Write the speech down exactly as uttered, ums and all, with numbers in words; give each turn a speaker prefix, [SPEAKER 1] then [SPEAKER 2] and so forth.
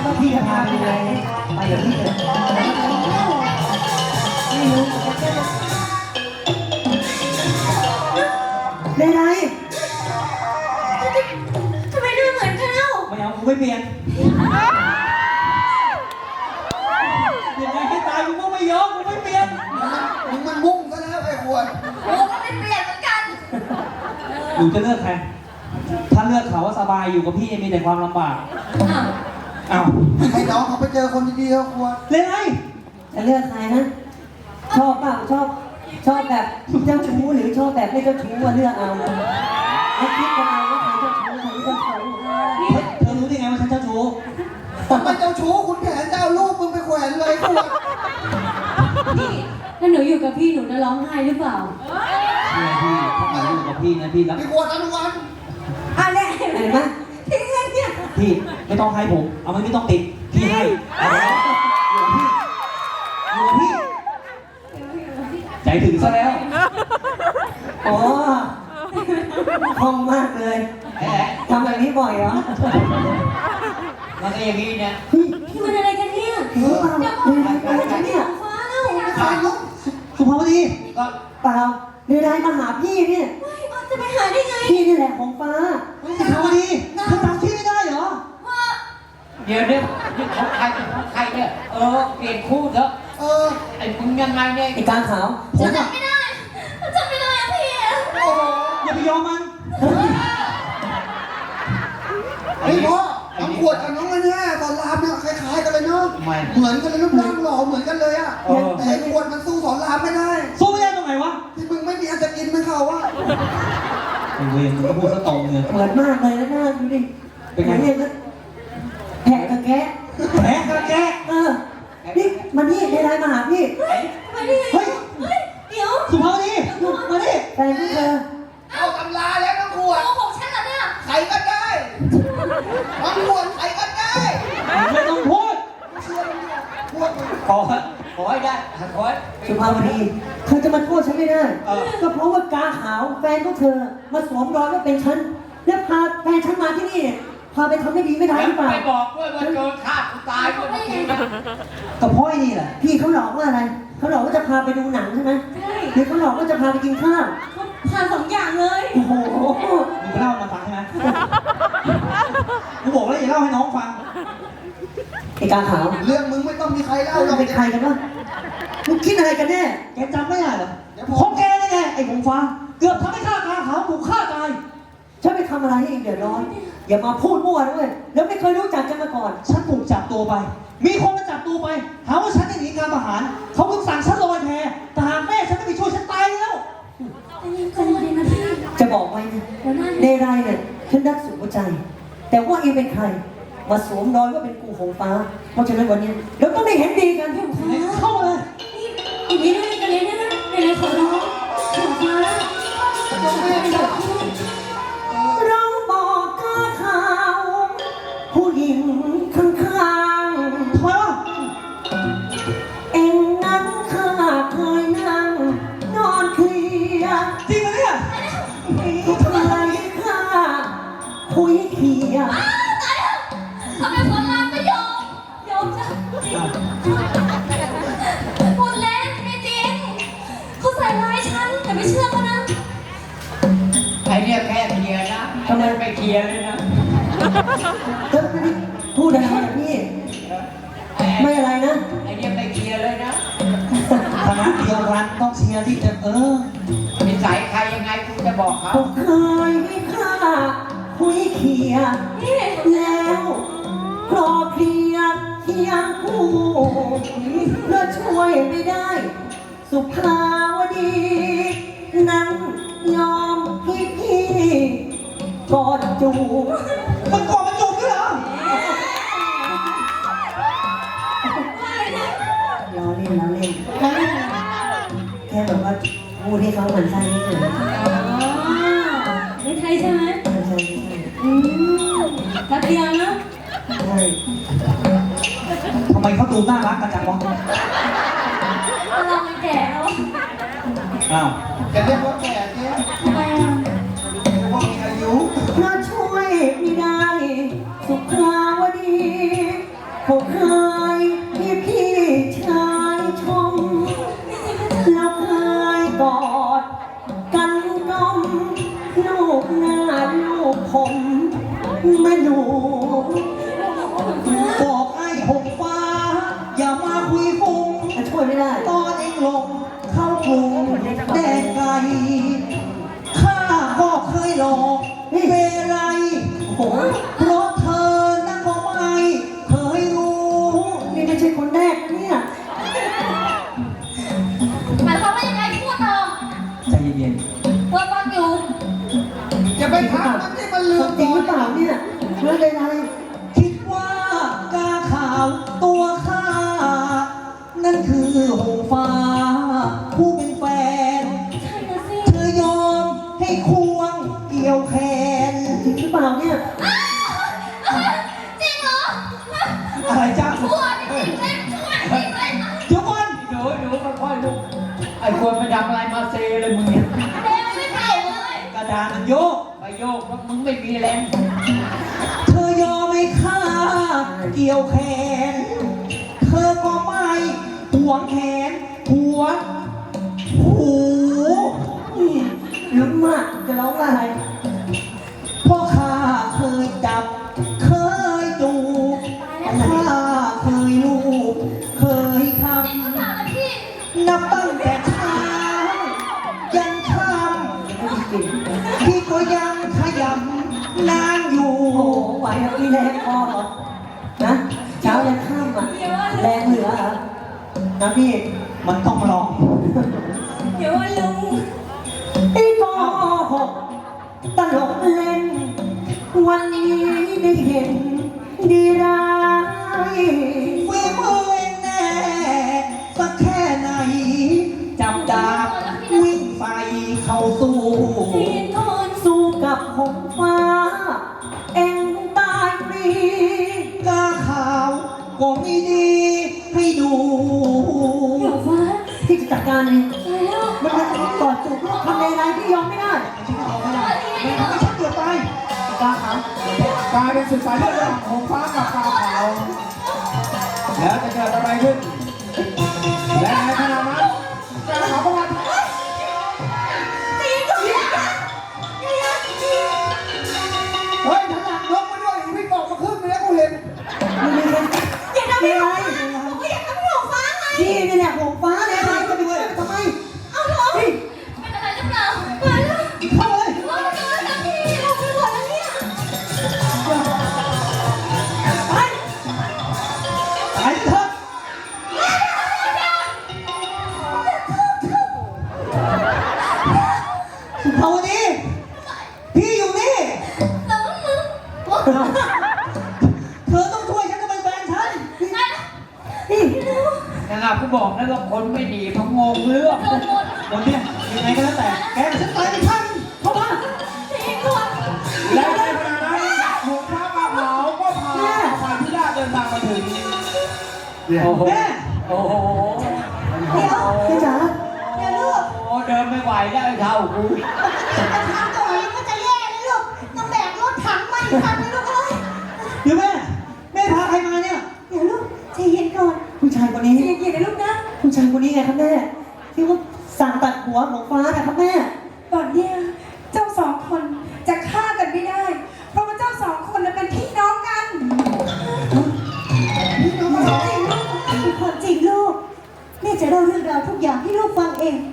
[SPEAKER 1] ว่าพี่จะพาไปยังไงไปกับพี่เลยไม่รู้ได้ไร
[SPEAKER 2] ทำไมดูเหมือนกันเล่า
[SPEAKER 3] ไม่เอากูไม่เปลี่ยนยังไงให้ตายกูก็ไม่ยอมกูไม่เปลี่ยน
[SPEAKER 4] มึงมันมุ่งซะแล้วไอ้ขวด
[SPEAKER 2] โอ้ก็ไม่เปลี่ยนเหมือนกัน
[SPEAKER 3] หนูจะเลือกใครถ้าเลือกเขาว่าสบายอยู่กับพี่มีแต่ความลำบาก
[SPEAKER 2] อ้าว
[SPEAKER 3] อ้าว
[SPEAKER 4] ให้น้องเขาไปเจอคนดีๆเขาขวด
[SPEAKER 3] เล่นไง
[SPEAKER 1] จะเลือกใครนะชอบเปล่าชอบชอบแบบเจ้าชู้หรือชอบแบบไม่เจ้าชู้ว่าเลือกเอาแล้วคิดกันเอาว่าใครเจ้าชู้ใครไม่เจ้าชู้
[SPEAKER 3] เธอรู้ได้ไงว่าฉันเจ้าชู้
[SPEAKER 4] ทำไมเจ้าชู้คุณแผนจะเอาลูกมึงไปแขวนเลยขวด
[SPEAKER 2] พี่ถ้าหนูอยู่กับพี่หนูจะร้องไห้หรือเปล่า
[SPEAKER 3] เชื่อพี่ถ้าหนูอยู่กับพี่นะพี่รัก
[SPEAKER 4] พี่ขวดอนุวัน
[SPEAKER 2] อะไร
[SPEAKER 1] เห็นไหม
[SPEAKER 2] พี่เงินเนี่ย
[SPEAKER 3] พี่ไม่ต้องให้ผมเอาไม่ต้องติดพี่ให้เอาอยู่กับพี่อยู่กับพี่ใจถึงซะแล้ว
[SPEAKER 1] อ๋อคล่องมากเลยทำแบบนี้บ่อยเหรอ
[SPEAKER 3] มันก็อย่างนี้เนี่ย
[SPEAKER 2] พี่มันอะไรกันเนี่ย
[SPEAKER 1] เฮ้ยเปล่าอะไรกันเนี่ย
[SPEAKER 2] ฟ้าแล้ว
[SPEAKER 4] ใครลูก
[SPEAKER 3] สุภาพดี
[SPEAKER 1] ก็เปล่าเดินไลน์มาหาพี่เนี่ย
[SPEAKER 2] จะไปหาได้ไง
[SPEAKER 1] พี่นี่แหละของฟ้า
[SPEAKER 3] สุภาพดีเธอจำชื่อไม่ได้เหรอ
[SPEAKER 5] เดี๋ยวเนี่ยนี่ของใครเป็นของใครเนี่ยเออเปลี่ยนคู่เถอะ
[SPEAKER 4] เออ
[SPEAKER 5] ไอ้มึงยังไงเนี่ย
[SPEAKER 1] ไอ้กางขาว
[SPEAKER 2] ผมจำไม่ได้จำไม่ได้อะพี่
[SPEAKER 4] โอ้
[SPEAKER 3] อย่าไปยอมมัน
[SPEAKER 4] เฮ้ยพ่อน้องขวดกับน้องอันนี้ตอนรามเนี่ยคล้ายๆกันเลยเนาะเหมือนกันเลยรูปร่างหล่อเหมือนกันเลยอ่ะแต่ไอ้ขวดมันสู้สอนรามไม่ได้
[SPEAKER 3] สู้ไม่ได้ตรงไหนวะ
[SPEAKER 4] ที่มึงไม่มีอันจะกินมึงเขาอ่ะ
[SPEAKER 3] ไอ้เวรมึงก็พูดซะตรงเลย
[SPEAKER 1] เหมือนมากเลยนะหน้าดูดิ
[SPEAKER 3] เป็นไง
[SPEAKER 1] เนี่ยนะแผลกระแกะ
[SPEAKER 3] แผลกระแกะ
[SPEAKER 1] เออนี่มานี่ในไลน์มาหาพี่
[SPEAKER 2] มาดิเฮ้ยเดี๋ยว
[SPEAKER 3] สุภาพดีมาดิ
[SPEAKER 1] แฟนพี่เธอ
[SPEAKER 4] เอาตำราแล้วน้องขวด
[SPEAKER 2] โกหกฉันเหรอเนี่ย
[SPEAKER 4] ใครก็ได้น้องขวดใครก็ได้
[SPEAKER 3] ไม่ต้องพูด
[SPEAKER 4] เชื่อมันเนี่ยขวด
[SPEAKER 5] ขอขอให้ได้ขอให้
[SPEAKER 1] สุภาพดีเธอจะมาโทษฉันไม่ได้ก็เพราะว่ากาขาวแฟนของเธอมาสวมรอยว่าเป็นฉันแล้วพาแฟนฉันมาที่นี่พาไปทำไม่ดีไม่ได้หรือเปล่า
[SPEAKER 5] ไม่บอกด้วยว่าโดนฆ่ากูตายด้วยเมื่อกี้นะ
[SPEAKER 3] กับพ่อยนี่แหละ
[SPEAKER 1] พี่เขาหลอกว่าอะไรเขาหลอกว่าจะพาไปดูหนังใช่ไหมใช่หรือเขาหลอกว่าจะพาไปกินข้าว
[SPEAKER 2] พาสองอย่างเลย
[SPEAKER 1] โอ้โห
[SPEAKER 3] มึงเล่ามาฟังใช่ไหมกูบอกแล้วอย่าเล่าให้น้องฟัง
[SPEAKER 1] ไอ้กาขาว
[SPEAKER 4] เรื่องมึงไม่ต้องมีใครเล่าหรอก
[SPEAKER 1] เป็นใครกันวะมึงคิดอะไรกันแน่
[SPEAKER 3] แกจำไม่ได้เหรอของแกนี่ไงไอ้หงฟ้าเกือบทำให้ข้ากาขาวถูกฆ่าตาย
[SPEAKER 1] ฉันไปทำอะไรให้เองเดือดร้อนอย่ามาพูดมั่วด้วยแล้วไม่เคยรู้จักกันมาก่อน
[SPEAKER 3] ฉันถูกจับตัวไปมีคนมาจับตัวไปหาว่าฉันหนีการทหารเขาเพิ่งสั่งฉันลอยแพแต่หากแม่ฉันไม่ไปช่วยฉันตายแล้ว
[SPEAKER 1] จะบอกไว้นะในรายเนี่ยฉันรักสุดหัวใจแต่ว่าเองเป็นใครมาสวมรอยว่าเป็นกูของฟ้าเพราะฉะนั้นวันนี้เราต้องได้เห็นดีกันพี่ฟ้า
[SPEAKER 3] เข้ามาเลย
[SPEAKER 2] อีกนิดนึงกันเลยนะในในขอร้องของฟ้า
[SPEAKER 1] เราบอกข้าข่าวผู้หญิงข้างๆเพราะเอ็งนั้นข้าเคยนั่งนอนเคลียร์
[SPEAKER 3] จริงไหมเนี่ย
[SPEAKER 1] ทำไมข้าคุยเคลียร์
[SPEAKER 2] ทำไมคนรามไม่ยอมยอมจ้ะพูดเล่นไม่จริงเขาใส่ร้ายฉันแต่ไม่เชื่อเขานะ
[SPEAKER 5] ไอ้เนี่ยแค่เคลียร์นะทำไมไม่เคลียร์เลยนะ
[SPEAKER 1] พูดอะไรนะพี่ไม่อะไรนะ
[SPEAKER 5] ไอ้เนี่ยไม่เคลียร์เลยนะ
[SPEAKER 3] คณะเดียวกันต้องเชียร์ที่จะเออ
[SPEAKER 5] นิสัยใครยังไงกูจะบอกเขา
[SPEAKER 1] เคยไม่ฆ่าคุยเคลียร์แล้วรอเคลียร์เคียงคู่แล้วช่วยไม่ได้สุภาวดีนั้นยอมให้พี่กอดจูบ
[SPEAKER 3] มันกอดมันจูบด้วยเหรอ
[SPEAKER 1] ล้อเล่นล้อเล่นแค่แบบว่าพูดให้เขาเหมือนใช่ไม่เฉย
[SPEAKER 2] ไม่ใช่ใช่ไหม
[SPEAKER 1] ไม่ใช่ไม่ใช่
[SPEAKER 2] อืมทัดเดียวนะ
[SPEAKER 1] ใช่
[SPEAKER 3] ทำไมเขาดูน่ารักกันจังวะ
[SPEAKER 2] เราไม่แก่แล้ว
[SPEAKER 3] อ้าว
[SPEAKER 4] จะเรียกว่าแก่เนี่ย
[SPEAKER 2] ทำไมอ่ะ
[SPEAKER 4] เรียกว่ามีอายุ
[SPEAKER 1] เพราะช่วยไม่ได้สุขาวดีเขาเคยพี่พี่ชายชมแล้วเคยกอดกันกลมลูกหน้าลูกผมแม่หนู
[SPEAKER 3] บอกไอ้หงฟ้า อย่ามาคุยฟุ้ง
[SPEAKER 1] ช่วยไม่ได้
[SPEAKER 3] ตอนเองหลงเข้ากรุงแดนไกลข้าก็เคยหลอกเวไร
[SPEAKER 1] โอ้โห
[SPEAKER 3] เพราะเธอนั้นก็ไม่เคยรู้
[SPEAKER 1] นี่ไม่ใช่คนแรกนะเนี่ย
[SPEAKER 2] หมายความว่ายังไงพูดต่อ
[SPEAKER 3] ใจเย็น
[SPEAKER 2] เปิดฟังอยู่
[SPEAKER 4] อย่าไปถามมันที่มันลืม
[SPEAKER 1] จริงหรือเปล่าเนี่ยเรื่องใด
[SPEAKER 3] ๆคิดว่ากาขาวตัวข้า นั่นคือหงฟ้า ผู้เป็นแฟน
[SPEAKER 2] ใช่นะสิ
[SPEAKER 3] เธอยอมให้ควงเกี่ยวแขน
[SPEAKER 1] ๆจริงหรือเปล่าเนี่ย
[SPEAKER 2] จริงเหรอ
[SPEAKER 3] อะไรจ้า
[SPEAKER 2] พูดจริงเล่นช่วยจริงเล่น
[SPEAKER 3] เดี๋ยวก่อน
[SPEAKER 5] หนูหนูค่อยๆลูกไอ้คนไปทำอะไรมาเซเลยมึงเนี่ย
[SPEAKER 2] เร็วไม่เก่าเลย
[SPEAKER 3] กระดานมันโยก
[SPEAKER 5] ไปโยกแล้วมึงไม่มีแรง
[SPEAKER 3] เธอยอมให้ข้าเกี่ยวแขน เธอก็ไม่หวงแขนหัวหู
[SPEAKER 1] นี่ลุ้นมากจะร้องอะไร
[SPEAKER 3] เพราะข้าเคยจับ เคยจูบข้าเคยลูบเคยค
[SPEAKER 2] จริงหรือเปล่านะพี่
[SPEAKER 3] ำนับตั้งแต่เช้ายันค่
[SPEAKER 1] ไม่จริง
[SPEAKER 3] ำพี่ก็ยังขยำนานอยู่
[SPEAKER 1] โอ้โหไหวครับพี่แรงพอเหรอนะเช้ายันค่ำอ่ะแรงเหลือเหรอนะพี่
[SPEAKER 3] มันต้องลอง
[SPEAKER 2] เดี๋ยวว่าลุง
[SPEAKER 1] ไอ้โกหกตลกเล่น วันนี้ได้เห็นดีร้าย
[SPEAKER 3] ฝีมือเองแน่สักแค่ไหน จับดาบวิ่งใส่เข้าสู้
[SPEAKER 2] ทีนทน
[SPEAKER 1] สู้กับหงฟ้า เอ็งตายฟรี
[SPEAKER 3] กาขาวก็ไม่ดีให้ดู
[SPEAKER 2] เดี๋ยวฟ้า
[SPEAKER 1] ที่จะจัดการเอง
[SPEAKER 2] ตายแล้ว
[SPEAKER 1] มันจะกอดจูบทำในไรที่ยอมไม่ได้
[SPEAKER 3] ไม่ทำให้ฉันเกือบตาย
[SPEAKER 1] กาขาว
[SPEAKER 4] กลายเป็นศึกสายเลือดระหว่างหงฟ้ากับกาขาวแล้วจะเกิดอะไรขึ้น และในขณะนั้นกาขาวก็มาเฮ้ยทั้งหลังยกมาด้วยวิ่งออกมาขึ้นไปแล้วกูเห็น
[SPEAKER 1] มึงมีอะไร
[SPEAKER 2] อย่าทำให้หนูก็อยากทำให้หนูฟ้าไง
[SPEAKER 1] พี่นี่แหละหงฟ้าเลยอะไรจะไปช่วยมันทำไม
[SPEAKER 2] เอาเหรอ
[SPEAKER 1] เฮ้ย
[SPEAKER 2] เป็นอะไรหรือเปล่ามาแล้ว
[SPEAKER 3] เข้าเลย
[SPEAKER 2] เราเจอแล้วพี่เราไปหมดแล้วเนี่ย
[SPEAKER 1] ไป
[SPEAKER 3] ตายเถอะเอาดิพี่อยู่นี่
[SPEAKER 2] แต่ว่ามึง
[SPEAKER 3] เธอต้องช่วยฉันจะเป็นแฟนฉัน
[SPEAKER 2] ไป
[SPEAKER 1] นี่
[SPEAKER 5] นะครับกูบอกแล้วว่าคนไม่ดีเขางงเรื่อง
[SPEAKER 2] โดนหมด
[SPEAKER 3] วันเนี้ยยังไงก็แล้วแต่ แกกับฉันตายไปข้างหนึ่งเข้ามา
[SPEAKER 2] ทีนก่อน
[SPEAKER 4] และในขณะนั้นหงฟ้ากาขาวก็พาฝ่ายพิราชเดินทางมาถึง
[SPEAKER 5] โอ้โห
[SPEAKER 3] แม่
[SPEAKER 5] โอ้โห
[SPEAKER 1] เดี๋ยวพี่จ๋า
[SPEAKER 2] เดี๋ยวลูก
[SPEAKER 5] โอ้เดินไม่ไหวแล้วไอ้เท่ากู
[SPEAKER 2] จะทำตัวเองก็จะแย่เลยลูกต้องแบกรถถังมาอีกคันนึงลูกเอ้ย
[SPEAKER 3] เดี๋ยวแม่ แม่พาใครมาเนี่ย
[SPEAKER 2] เดี๋ยวลูกใจเย็นก่อน
[SPEAKER 1] ผู้ชายคนนี้
[SPEAKER 2] ใจเย็นๆนะลูกนะ
[SPEAKER 1] ผู้ชายคนนี้ไงครับแม่ที่ว่าสั่งตัดหัวของฟ้านะครับแม่
[SPEAKER 6] ตอนเนี้ยเจ้าสองคนจะฆ่ากันไม่ได้ เพราะว่าเจ้าสองคนน่ะเป็นพี่น้องกัน
[SPEAKER 1] พี่น้อง
[SPEAKER 6] จริงลูกเป็นความจริงลูกแม่จะเล่าเรื่องราวทุกอย่างให้ลูกฟังเอง